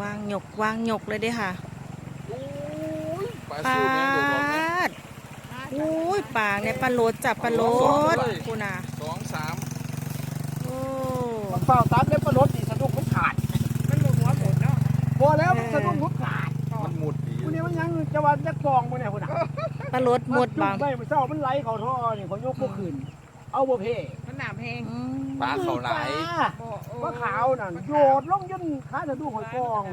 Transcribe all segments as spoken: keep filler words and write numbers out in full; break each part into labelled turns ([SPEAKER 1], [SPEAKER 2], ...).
[SPEAKER 1] วางหยกวางหยกเลยเด้ค่ะปลาดอุ้ยปลาเนี่ยปลาโลดจับปลาโลดคุณน่ะ
[SPEAKER 2] สองสาม
[SPEAKER 1] โอ้
[SPEAKER 3] เปล่าตัดแล้วปลาโลดนี่สะดุ้งมันขาดมันหมดหัวหมดเนาะพอแล้วมันสะดุ้งมันขาด
[SPEAKER 2] มันหมุดดี
[SPEAKER 3] คุณนี่มันยังจะวันจะกองมันเนี่ยคุณน่ะ
[SPEAKER 1] ปลาโลดหมดบาง
[SPEAKER 3] ไม่มันเศร้ามันไหลเขาท่อนี่เขายกพวกคืนเอาบ่เพ่
[SPEAKER 4] มันหนามแพง
[SPEAKER 2] ปลาเขาไหล
[SPEAKER 3] ปลาขาวนั่นโยดลงย่นขาสะดุ้งหอยกอง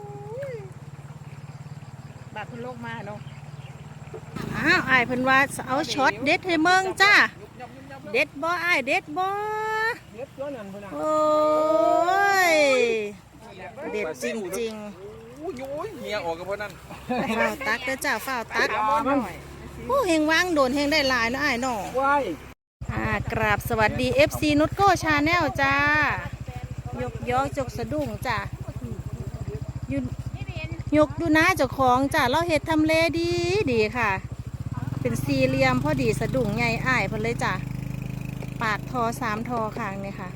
[SPEAKER 4] บาดคุณโลกมาเนาะ
[SPEAKER 1] อ้าวไอ้เพิ่นว่าเอาช็อตเด็ดให้เมืองจ้าเด็ดบ่ไอ้เด็ดบ่
[SPEAKER 3] เด็ดตัวนั้นพุ่นน่ะ
[SPEAKER 1] โอ้ยเด็ดจริง
[SPEAKER 2] ๆโอ้ยโอ้ยเหี่ยออกกับพวกนั้น
[SPEAKER 1] ๆฝ้าวตักเด้อจ้าฝ้าวตักโอ้เฮงวางโดนเฮงได้หลายนะไอ้น้องอ่ากราบสวัสดี เอฟ ซี นุชโก้ชาแนลจ้ายกยอกจกสะดุ้งจ้าอยู่ยกดูนะเจ้าของจ้าเราเห็ดทำเลดีดีค่ะเป็นสี่เหลี่ยมพอดีสะดุ้งใหญ่อ้ายเพิ่นเลยจ้าปากทอสามทอข้างนี่ค่ะ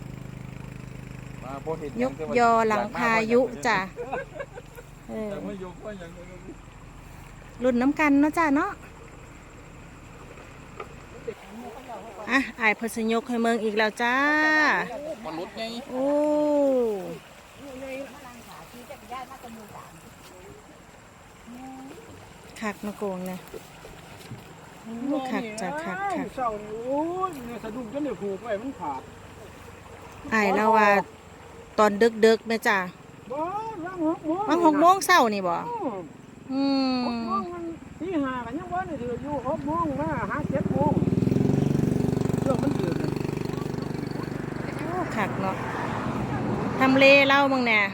[SPEAKER 1] ยกยอหลังพายุจ้าเออรุ่นน้ำกันเนาะจ้าเนาะอ่ะไอ้พศยกให้เมืองอีกแล้วจ้า
[SPEAKER 2] มันลุดไง
[SPEAKER 1] โอ้ขักมาโกงเนี่ยขักจ้ะขักขัก
[SPEAKER 3] เศร้าโอ้ยเนี่ยสะดุ้งจนเดี๋ยวผูกไว้มันขาด
[SPEAKER 1] ไอ้แล้วว่าตอนดึกดึกไหมจ้า
[SPEAKER 3] บ่ว่างหกโมง
[SPEAKER 1] ว่างหกโมงเศร้านี่บ่อืม
[SPEAKER 3] หกโมงมันที่ห้ากันยังวันนี่ถืออยู่หกโมงมาห้าเจ็ดโมงเรื่องมันเดือด
[SPEAKER 1] ขักเนาะทำเลเล่ามึงเนี่ย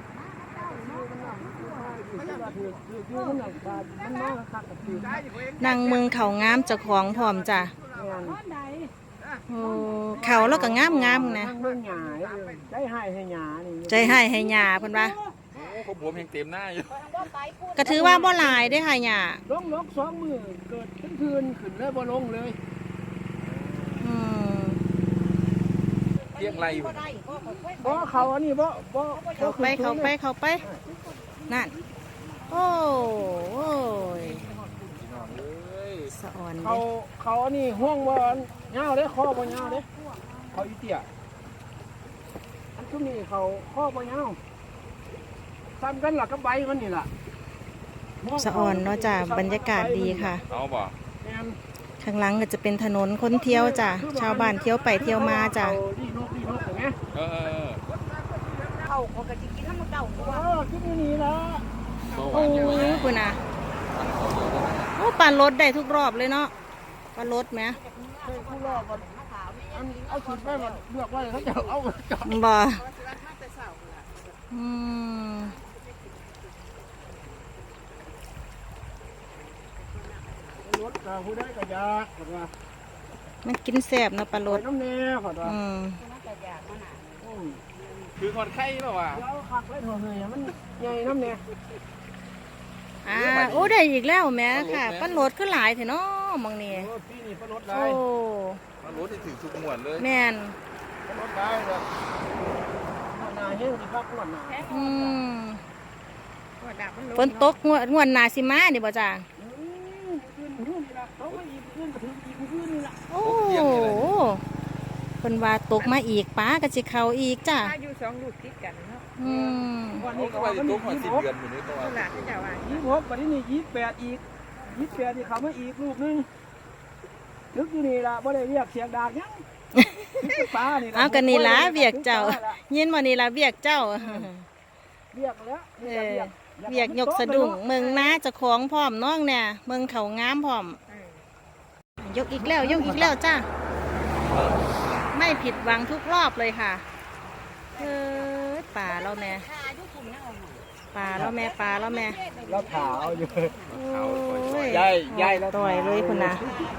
[SPEAKER 1] นั่งเมืองเขางามเจ้าของพร้อมจ้ะโอ้เขาแล้วก็งามงามนะ
[SPEAKER 3] ใจให้ให้หยานี่
[SPEAKER 1] ใจให้ให้หยาเพิ่นว่า
[SPEAKER 2] โอ้เขาผมยังเต็มหน้าอยู่
[SPEAKER 1] ก็ถือว่าบ่หลายได้ค่ะหยา
[SPEAKER 3] ลงลกสองมือเกิดขึ้นคืนขึ้นเลยบ่ลงเลย
[SPEAKER 1] อืม
[SPEAKER 2] เที่ยงไรอยู่
[SPEAKER 3] บ่เขาอันนี้บ่บ่
[SPEAKER 1] เขาไปเขาไปเขาไปนั่นโอ้โอ้ยสะอ่อน
[SPEAKER 3] เขาเขาอันนี้ห่วงบ่ยาวเด้คอบ่ยาวเด้เขาอีเตี้ยอันทุกนี้เขาคอบ่ยาวซ้ำกันล่ะกับใบมันนี่ล่ะ
[SPEAKER 1] สะอ่อนเนาะจ้ะบรรยากาศดีค่ะ
[SPEAKER 2] เอาบ่
[SPEAKER 1] ข้างหลังก็จะเป็นถนนคนเที่ยวจ้ะชาวบ้านเที่ยวไปเที่ยวมาจ้ะ
[SPEAKER 2] เออ
[SPEAKER 4] เข้าเขาก็จะกินน้ำมันเก่าตัว
[SPEAKER 3] เออกินนี่ละ
[SPEAKER 1] โอ้ยคุณน่ะโอ้ปลารถได้ทุกรอบเลยเนาะปลารถไหม
[SPEAKER 3] ทุกรอบอันเอาสุดไปมันเลือกไว้เขาจะเอาจอด
[SPEAKER 1] บ่อืม
[SPEAKER 3] รถกับผู้ได้กับยาผัดว่า
[SPEAKER 1] มันกินแซ่บนะปลารถ
[SPEAKER 3] น้ำเนยผัดว่า
[SPEAKER 1] อืม
[SPEAKER 2] คือคนไข้เปล่าวะ
[SPEAKER 3] แล้วขักไว้ถั่วเหยมันใหญ่น้ำเนย
[SPEAKER 1] อ่าโอ้ได้อีกแล้วแม่ค่ะปลารถก็หลายเถอะเนาะมองนี่
[SPEAKER 3] พี่นี่ปลารถได้
[SPEAKER 1] โอ้
[SPEAKER 2] ปลารถที่ถือทุกหมวดเลย
[SPEAKER 1] แม่น
[SPEAKER 3] ปลารถได้เลยหน้าเฮ้ยดีครับหน้า
[SPEAKER 1] อืมฝนตกงวดงวดนาซิมาเนี่ยบ่จ้าโอ้คนว่าตกมาอีกป้าก็จะเข้าอีกจ้า
[SPEAKER 4] อยู่สองลูกติดกันเนาะ
[SPEAKER 1] อืม
[SPEAKER 2] วันนี้ก็ว่าจะตกมาสิบเดือนอยู่นี่ตัว
[SPEAKER 3] ยี่สิบหกวันนี้นี่ยี่สิบแปดอีกยี่สิบแปดที่เขามาอีกลูกนึงนึกอยู่นี่ละบ่ได้เรียกเสียงดากยังป้านี่
[SPEAKER 1] เอากันนี่ละเบียกเจ้ายินมานี่ละเบียกเจ้า
[SPEAKER 3] เบียกแล้ว
[SPEAKER 1] เออเบียกยกสะดุ้งเมืองน้าจะคล้องพร้อมน้องเนี่ยเมืองเขางามพร้อมยกอีกแล้วยกอีกแล้วจ้าไม่ผิดหวังทุกรอบเลยค่ะเออป่าแล้วแม่ป่าแล้วแม่ป่าแล้วแม่
[SPEAKER 3] แล้วขาวอยู่
[SPEAKER 1] ใหญ่ใหญ่แล้วต่อยเลยคุณนะ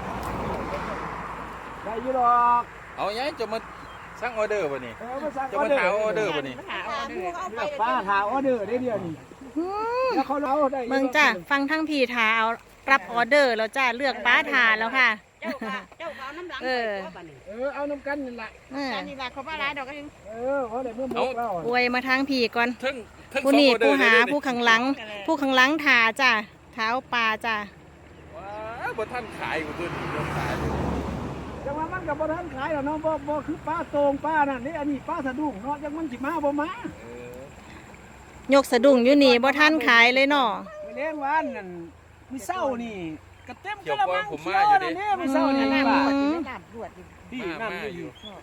[SPEAKER 3] ใหญ่ยี่หรอก
[SPEAKER 2] เอายัยจะมาสั่งออเดอร์ป่ะนี่จะมาถามออเดอร์ป่ะนี่
[SPEAKER 3] ป้าถามออเดอร์ได้เดียวนี่แล้วเขาเล่าได้
[SPEAKER 1] เมืองจ้าฟังทั้งพีทาเอารับออเดอร์แล้วจ้าเลือกป้าทาแล้วค่ะ
[SPEAKER 4] เออ
[SPEAKER 3] เออเอาน้ำกันนี่แหละ
[SPEAKER 4] กันนี่แหละเขาป้าร้ายดอกก็ยัง
[SPEAKER 3] เออเขาได้เมื่อมุกแล้ว
[SPEAKER 1] อวยมาทางผีก่อน
[SPEAKER 2] ทั้งทั้ง
[SPEAKER 1] ผู้
[SPEAKER 2] สอง
[SPEAKER 1] นี่
[SPEAKER 2] ออเดอ
[SPEAKER 1] ผู้
[SPEAKER 2] ร์
[SPEAKER 1] หา
[SPEAKER 2] เลย
[SPEAKER 1] ผู้ข้างหลัง ผู้ข้างหลังถาจ้ะเท้าปลาจ้ะ
[SPEAKER 2] ว้าบ่ท่านขายอยู่ตัวนี้บ่ขายเลย
[SPEAKER 3] จังว่ามันกับบ่ทันขายหรอกเนาะบ่บ่คือป้าโตงป้านั่นนี่อันนี้ป้าสะดุ้งเนาะจังมันสิมาบ่มา
[SPEAKER 2] เออย
[SPEAKER 1] กสะดุ้งอยู่นี่บ่ทันขายเลยเนาะ
[SPEAKER 3] ไปเลี้ยงวานนั่นมีเศร้านี่กระเต็ม
[SPEAKER 2] เกี่
[SPEAKER 3] ก
[SPEAKER 2] ยว
[SPEAKER 3] ระ
[SPEAKER 2] ก่อ
[SPEAKER 3] มั
[SPEAKER 2] น
[SPEAKER 3] ง
[SPEAKER 2] ผม
[SPEAKER 3] เขี
[SPEAKER 2] มา
[SPEAKER 3] ยว
[SPEAKER 2] อยู่
[SPEAKER 3] นั่
[SPEAKER 2] ดิ
[SPEAKER 3] นนี่มีเศร้านี่
[SPEAKER 4] น้ำ
[SPEAKER 3] ป้า
[SPEAKER 4] บวชไม่น้ำบวชดิ
[SPEAKER 3] ที่
[SPEAKER 2] มา
[SPEAKER 3] น้ำ
[SPEAKER 2] มา
[SPEAKER 3] นี่
[SPEAKER 2] อ
[SPEAKER 3] อยู่
[SPEAKER 2] ยู่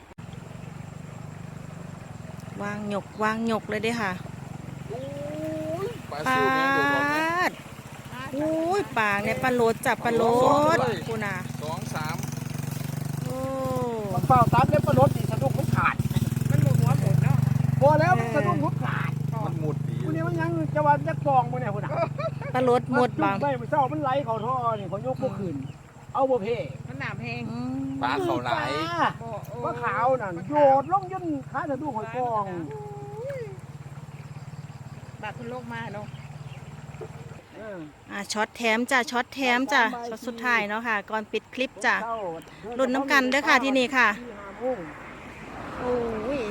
[SPEAKER 1] วางหยกวางหยกเลยเด้อค่ะ
[SPEAKER 2] โอ้ยปลา
[SPEAKER 1] ปา
[SPEAKER 2] ซิวแม่งโดดออกนะ
[SPEAKER 1] ดอุ้ยปากในปลาโลดจับปลาโลดกูน่ะ
[SPEAKER 2] สองสาม
[SPEAKER 1] โอ้
[SPEAKER 3] มันเปล่าตามเล็บปลารถนี่สะดุ้งมันขาด
[SPEAKER 4] มันหมุนหัวหมุนเนาะ
[SPEAKER 3] พอแล้วมันสะดุ้งมันขาด
[SPEAKER 2] มันหมุดดี
[SPEAKER 3] คุณนี่มันยังจะว่าจะกองบ่เนี่ยคุณน่ะ
[SPEAKER 1] ปลาโลดหมดบาง
[SPEAKER 3] ไม่มันเศร้ามันไหลเข้าท่อนี่เขายกบ่ขึ้นเอาบ่เพ่
[SPEAKER 4] มันหนามแห้ง
[SPEAKER 1] อืม
[SPEAKER 2] ปลาเขาหลาย
[SPEAKER 4] บ่โอ้
[SPEAKER 3] ปลาขาวนั่นโยดลงยันขาสะดุ้งหอยกอง
[SPEAKER 4] บาดคุณโลกมาเนาะ
[SPEAKER 3] เออ
[SPEAKER 1] อ่ะช็อตแถมจ้ะช็อตแถมจ้ะช็อตสุดท้ายเนาะค่ะ ก่อนปิดคลิปจ้ะ รุ่นน้ำกันเด้อค่ะที่นี่ค่ะ โอ้ย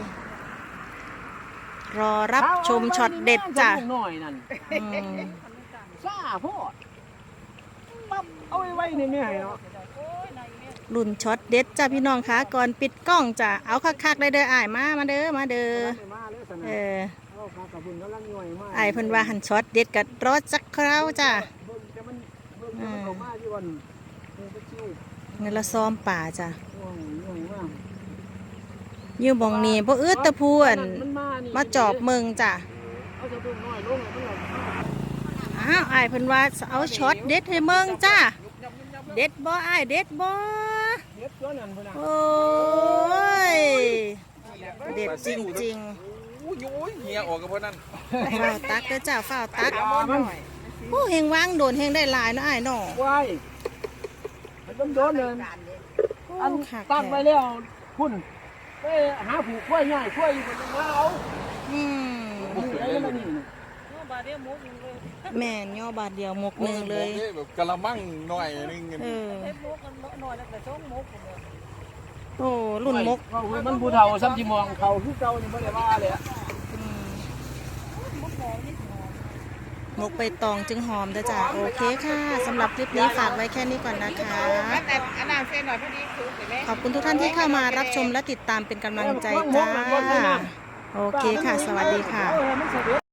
[SPEAKER 1] รอรับชมช็อตเด็ดจ้ะ
[SPEAKER 3] หน่อยนั่น
[SPEAKER 1] อืม
[SPEAKER 3] ซ่าโพดปั๊บเอาไว้ไว้ในแม่เนาะ
[SPEAKER 1] รุ่นช็อตเด็ดจ้ะพี่น้องคะก่อนปิดกล้องจ้ะเอาคักๆเลยเด้ออ้ายมามาเด้อมาเด้อ
[SPEAKER 3] มาเลยส
[SPEAKER 1] เอ
[SPEAKER 3] นะ
[SPEAKER 1] อ
[SPEAKER 3] เอาขากับบุญกำลังหน่อยมาก
[SPEAKER 1] อ้ายเพิ่นว่าหันช็อตเด็ดกัรอจักคราวจ้ะ
[SPEAKER 3] เบิ่งแต่มันเบิ่งแต่มันเข้ามาอยู่วันเออไปชิว
[SPEAKER 1] เงินละซ้อมป่าจ้ะ
[SPEAKER 3] ห่วงหน่อยมาก
[SPEAKER 1] อยู่บ่งนี้บ่อึดแตะพูอั่น
[SPEAKER 3] มันมานี่
[SPEAKER 1] มาจอบเมืองจ้ะ
[SPEAKER 3] เอาจะดุ้งน้อยลงแล้วมันหลง
[SPEAKER 1] อ้าวอ้ายเพิ่นว่าเอาช็อตเด็ดให้เมืองจ้ะเด็ดบ่อ้ายเด็ดบ่
[SPEAKER 3] เด็ดตัวนั้นพุ่นน่ะ
[SPEAKER 1] โอ้ยเด็ดจริง
[SPEAKER 2] โอ้ยโอ้ยเหียออกกับพวกนั้น
[SPEAKER 1] ๆฝ้าวตักเด้อจ้ะฝ้าวตัก
[SPEAKER 3] ปลามัน
[SPEAKER 1] โอ้เฮงวางโดนเฮงได้หลายเนาะอ้ายเนาะ
[SPEAKER 3] ไว้มันต้องโดนเลย อัน
[SPEAKER 1] คัก
[SPEAKER 3] ตั้งไว้
[SPEAKER 1] แท้
[SPEAKER 3] แล้วคุณไปหาผูกกล้วยง่ายกล้วยอยู่บนมาเอา
[SPEAKER 1] อืม
[SPEAKER 3] ผูกอะไรกันนี่
[SPEAKER 4] บาดเดียวหมุนเลย
[SPEAKER 1] แม่นย่อบาทเดียวหมกหนึ่งเลย
[SPEAKER 2] แบบกะละมังหน่อยนึง
[SPEAKER 1] เออ
[SPEAKER 4] เฮ็ดมุกกันหน่อยแล้วแต่ช่องมุกเลย
[SPEAKER 1] โอ้รุ่นมก
[SPEAKER 3] ว่ามันผู้เฒ่าซ้ำที่มองเขาคือเก่านี่ไม่ได้ว่าเลยอะ
[SPEAKER 1] อืมมกใบตองจึงหอมเด้อจ้ะโอเคค่ะสำหรับคลิปนี้ฝากไว้แค่นี้ก่อนนะคะ
[SPEAKER 4] แต่อันนั้นเส้นหน่อยพอดีคือเห็นไหม
[SPEAKER 1] ขอบคุณทุกท่านที่เข้ามารับชมและติดตามเป็นกำลังใจจ้า โอเคค่ะ สวัสดีค่ะ
[SPEAKER 3] เออมันเสด็จ